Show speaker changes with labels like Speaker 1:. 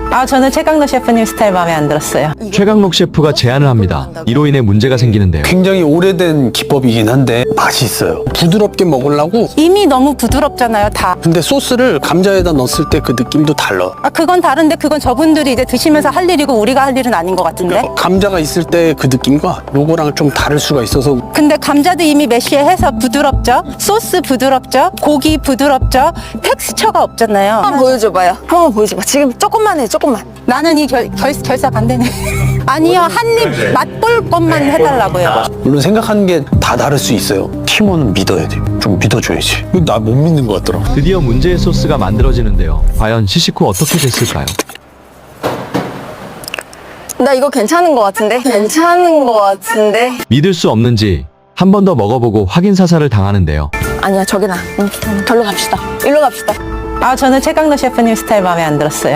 Speaker 1: 저는 최강록 셰프님 스타일 마음에 안 들었어요.
Speaker 2: 최강록 셰프가 제안을 합니다. 이로 인해 문제가 생기는데요.
Speaker 3: 굉장히 오래된 기법이긴 한데 맛이 있어요. 부드럽게 먹으려고.
Speaker 1: 이미 너무 부드럽잖아요, 다.
Speaker 3: 근데 소스를 감자에다 넣었을 때 그 느낌도 달라.
Speaker 1: 그건 다른데 그건 저분들이 이제 드시면서 할 일이고 우리가 할 일은 아닌 것 같은데?
Speaker 3: 감자가 있을 때 그 느낌과 요거랑 좀 다를 수가 있어서.
Speaker 1: 근데 감자도 이미 메쉬해서 부드럽죠? 소스 부드럽죠? 고기 부드럽죠? 텍스처가 없잖아요.
Speaker 4: 한번 보여줘봐요. 한번 보여줘봐. 지금 조금만 해, 조금만.
Speaker 1: 나는 이 결사 반대네. 아니요, 한 입 맛볼 것만 해달라고요.
Speaker 3: 물론 생각하는 게 다 다를 수 있어요. 팀원은 믿어야 돼. 좀 믿어줘야지. 나 못 믿는 것 같더라.
Speaker 2: 드디어 문제의 소스가 만들어지는데요. 과연 시식 후 어떻게 됐을까요?
Speaker 4: 나 이거 괜찮은 것 같은데? 괜찮은 것 같은데?
Speaker 2: 믿을 수 없는지 한 번 더 먹어보고 확인 사살을 당하는데요.
Speaker 4: 아니야, 저기나. 절로 갑시다. 일로 갑시다.
Speaker 1: 저는 최강록 셰프님 스타일 마음에 안 들었어요.